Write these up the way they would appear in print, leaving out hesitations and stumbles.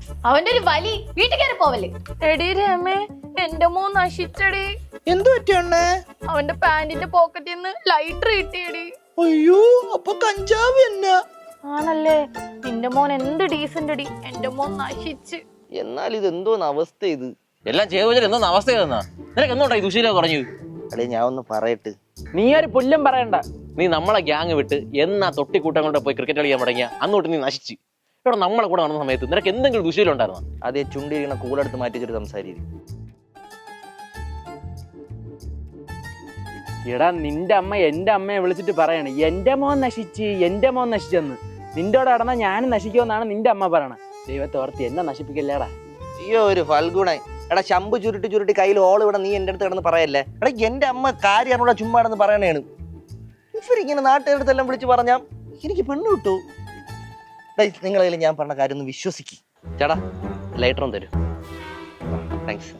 അവന്റെ ഒരു വലി വീട്ടിൽ കയറി പോവല്ലേ. എടി രമേ, എന്റെ മോൻ നശിച്ചടി. എന്തു പറ്റിയണ്ണേ? അവന്റെ പാന്റിന്റെ പോക്കറ്റിൽ നിന്ന് ലൈറ്റർ കിട്ടിയടി. അയ്യോ, അപ്പൊ കഞ്ചാവ് എന്നാ? ആണല്ലേ? നിന്റെ മോൻ എന്ത് ഡീസന്റ് അടി. എന്റെ മോൻ നശിച്ച്. എന്നാൽ ഇത് എന്തോന്ന് അവസ്ഥ ഇത്? എല്ലാം ചെയ്തു എന്തോന്ന് അവസ്ഥ തന്നാ? നിനക്ക് എന്തുകൊണ്ടാ ഈ ദുശീലം കുറഞ്ഞു? അല്ലെ ഞാൻ ഒന്ന് പറയട്ട്. നീ ഒരു പുല്ലും പറയണ്ട. നീ നമ്മളെ ഗ്യാങ് വിട്ട് എന്നാ തൊട്ടിക്കൂട്ടം കൊണ്ട് പോയി ക്രിക്കറ്റ് കളിക്കാൻ തുടങ്ങിയ അന്നോട്ട് നീ നശിച്ച്. ഇവിടെ നമ്മളെ കൂടെ നടന്ന സമയത്ത് നിനക്ക് എന്തെങ്കിലും ദുശീലം ഉണ്ടായിരുന്നോ? അതേ ചുണ്ടിരിക്കണ കൂടെടുത്ത് മാറ്റി വെച്ചിട്ട് സംസാരിക്കും. എടാ, നിന്റെ അമ്മ എന്റെ അമ്മയെ വിളിച്ചിട്ട് പറയണേ എന്റെ മോൻ നശിച്ചെന്ന്. നിന്റോടെ നടന്നാ ഞാനും നശിക്കുമെന്നാണ് നിന്റെ അമ്മ പറയണത്. ദൈവത്തോർത്ത് എന്നെ നശിപ്പിക്കല്ലേടാ. അയ്യോ ഒരു ഫൽഗുണായി. എടാ ശമ്പ് ചുരുട്ടി കയ്യിൽ ഓൾ ഇവിടെ നീ എന്റെ അടുത്ത് കിടന്ന് പറയല്ലേ. എടാ എന്റെ അമ്മ കാര്യമാണുള്ള ചുമ്മാടെന്ന് പറയണേണ്. ഇവരിങ്ങനെ നാട്ടുകാരടുത്തെല്ലാം വിളിച്ച് പറഞ്ഞാ എനിക്ക് പെണ്ണ് കിട്ടൂ. നിങ്ങളതിൽ ഞാൻ പറഞ്ഞ കാര്യം ഒന്ന് വിശ്വസിക്കും. ചേട്ടാ ലൈറ്റർ ഒന്ന് തരും. താങ്ക്സ്.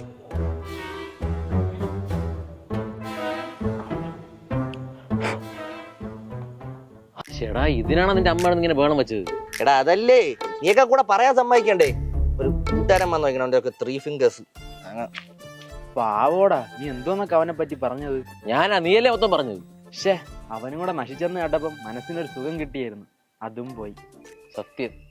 ചേടാ, ഇതിനാണ് നിന്റെ അമ്മ ഇങ്ങനെ വേണം വെച്ചത്? എടാ അതല്ലേ, നീയൊക്കെ കൂടെ പറയാൻ സമ്മതിക്കണ്ടേ? ഒരു കൂട്ടുകാരൻ വന്നു നോക്കണ 3 ഫിംഗേഴ്സ്. പാവോടാ, നീ എന്തോന്നൊക്കെ അവനെ പറ്റി പറഞ്ഞത്? ഞാനാ, നീയല്ലേ മൊത്തം പറഞ്ഞത്. പക്ഷേ അവനും കൂടെ നശിച്ചെന്ന് കേട്ടപ്പം മനസ്സിനൊരു സുഖം കിട്ടിയായിരുന്നു. അതും പോയി. സത്യം.